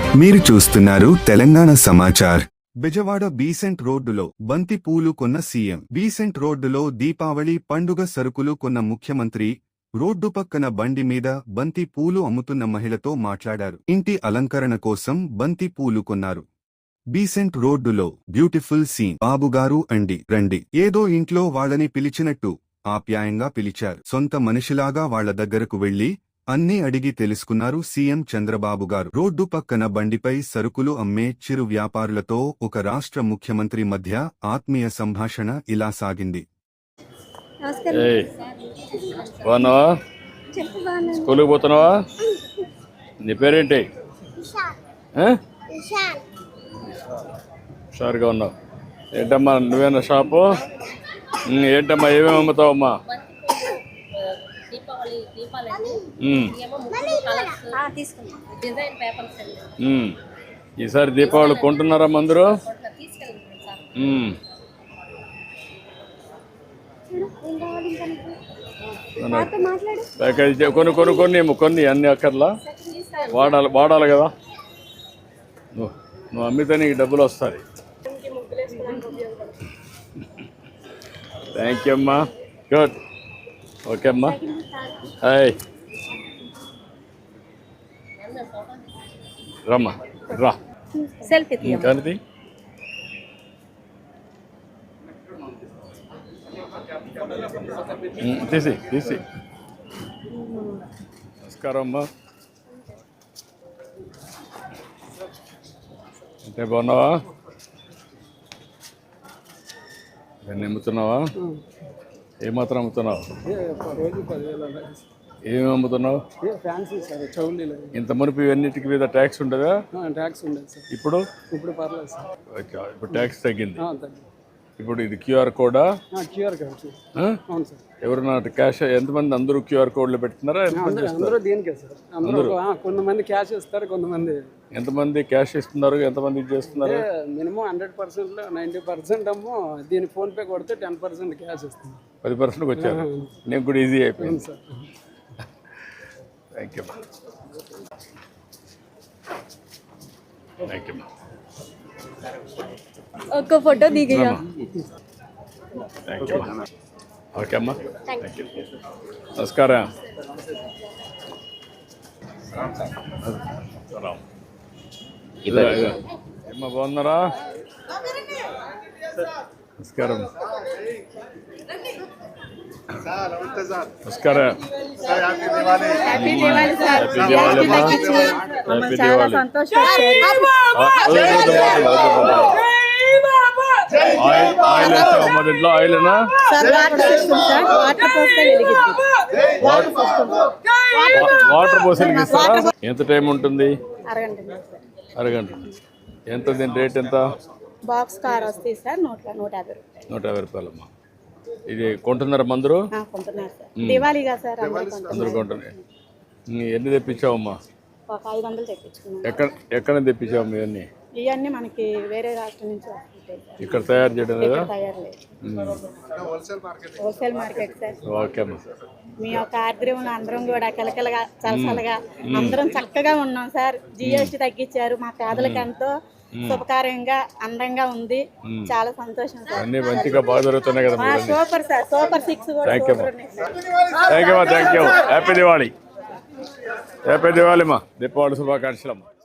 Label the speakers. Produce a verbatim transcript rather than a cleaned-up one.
Speaker 1: మీరు చూస్తున్నారు తెలంగాణ సమాచార్. బెజవాడ బీసెంట్ రోడ్డులో బంతి పూలు కొన్న సీఎం. బీసెంట్ రోడ్డులో దీపావళి పండుగ సరుకులు కొన్న ముఖ్యమంత్రి రోడ్డు పక్కన బండి మీద బంతి పూలు అమ్ముతున్న మహిళతో మాట్లాడారు. ఇంటి అలంకరణ కోసం బంతి పూలు కొన్నారు. బీసెంట్ రోడ్డులో బ్యూటిఫుల్ సీన్. బాబుగారు అండి రండి. ఏదో ఇంట్లో వాళ్ళని పిలిచినట్టు ఆప్యాయంగా పిలిచారు. సొంత మనిషిలాగా వాళ్ల దగ్గరకు వెళ్లి అన్నీ అడిగి తెలుసుకున్నారు సీఎం చంద్రబాబు గారు. రోడ్డు పక్కన బండిపై సరుకులు అమ్మే చిరు వ్యాపారులతో ఒక రాష్ట్ర ముఖ్యమంత్రి మధ్య ఆత్మీయ సంభాషణ ఇలా సాగింది.
Speaker 2: స్కూల్కి పోతున్నావా? నీ పేరేంటి? హుషారుగా ఉన్నావు. ఏంటమ్మా నువ్వేనా షాపు? ఏంటమ్మా ఏమేమి అమ్ముతావమ్మా? ఈసారి దీపావళి కొంటున్నారా అందరూ? ప్యాకేజ్ కొన్ని కొన్ని కొన్ని కొన్ని అన్ని అక్కర్లా వాడాలి వాడాలి కదా. నువ్వు నువ్వు అమ్మితే నీకు డబ్బులు వస్తాయి. థ్యాంక్ యూ అమ్మా. గుడ్. ఓకే అమ్మా. హాయ్ రమ్మా రా. కానీ తీసి తీసి నమస్కారం అమ్మా. అంటే బాగున్నావా? దాన్ని అమ్ముతున్నావా? ఏమాత్రం అమ్ముతున్నావు? ఏమేమి అమ్ముతున్నావు? ఇంత మునిపి ఇవన్నిటికి మీద ట్యాక్స్ ఉండదా?
Speaker 3: ట్యాక్స్ ఉండదు సార్.
Speaker 2: ఇప్పుడు
Speaker 3: ఇప్పుడు పర్లేదు సార్.
Speaker 2: ఇప్పుడు ట్యాక్స్ తగ్గింది. ఇప్పుడు ఇది క్యూఆర్ కోడా?
Speaker 3: QR code. అవును సార్.
Speaker 2: ఎవరన్నా క్యాష్ ఎంతమంది? అందరూ క్యూఆర్ కోడ్లో పెడుతున్నారా?
Speaker 3: అందరూ దీనికే సార్. అందరూ కొంతమంది క్యాష్ ఇస్తారు, కొంతమంది.
Speaker 2: ఎంతమంది క్యాష్ ఇస్తున్నారు, ఎంతమంది చేస్తున్నారు?
Speaker 3: మినిమం హండ్రెడ్ పర్సెంట్ లో నైన్టీ పర్సెంట్ అమ్మో దీని ఫోన్ పే కొడితే టెన్ పర్సెంట్ క్యాష్ ఇస్తుంది.
Speaker 2: పది పర్సెంట్కి వచ్చారు. నేను కూడా ఈజీ అయిపోయింది
Speaker 3: sir.
Speaker 2: Thank you thank you.
Speaker 4: ఒక్క ఫోటో దిగయ్యా.
Speaker 2: Thank you. ఓకే అమ్మా. Thank you. నమస్కారం. ఏమ్మా బాగున్నారా? నమస్కారం. నమస్కారం. Happy Diwali sir. Happy Diwali అమ్మా. హ్యాపీ దివాళీ. ఆయిల్ వేస్తావమ్మా దీంట్లో? ఆయిల్నా? వాటర్ పోసి వెలిగిస్తారా? ఎంత టైం ఉంటుంది? అరగంట. ఎంత దీని రేట్ ఎంత?
Speaker 4: బాక్స్ కార్ వస్తాయి సార్ నూట నూట యాభై రూపాయలు.
Speaker 2: నూట యాభై రూపాయలమ్మా. ఇది కొంటున్నారా మందరు?
Speaker 4: కొంటున్నారు సార్. దివాళీగా సార్
Speaker 2: అందరూ కొంటున్నారు. ఎన్ని తెప్పించావమ్మా?
Speaker 4: ఒక ఐదు వందలు తెప్పించుకున్నాం.
Speaker 2: ఎక్కడ ఎక్కడ తెప్పించావు ఇవన్నీ?
Speaker 4: ఇవన్నీ మనకి వేరే రాష్ట్రం నుంచి వస్తుంటాయి సార్.
Speaker 2: ఇక్కడ తయారు చేయడం లేదా?
Speaker 4: తయారు లేదు. Wholesale market sir.
Speaker 2: ఓకే అమ్మా.
Speaker 4: మీ యొక్క ఆర్ద్రంలో అందరం కూడా కలకలగా చలసలగా అందరం చక్కగా ఉన్నాం సార్. జిఎస్టీ తగ్గించారు. మా పేదలకు ఎంతో శుభకార్యంగా అందంగా ఉంది. చాలా సంతోషం సార్.
Speaker 2: అన్ని మంచిగా బాగా జరుగుతున్నాయి కదా.
Speaker 4: Super sir. సూపర్ సిక్స్ కూడా.
Speaker 2: Thank you thank you thank you. Happy Diwali. Happy Diwali అమ్మా. దీపావళి శుభాకాంక్షలు అమ్మా.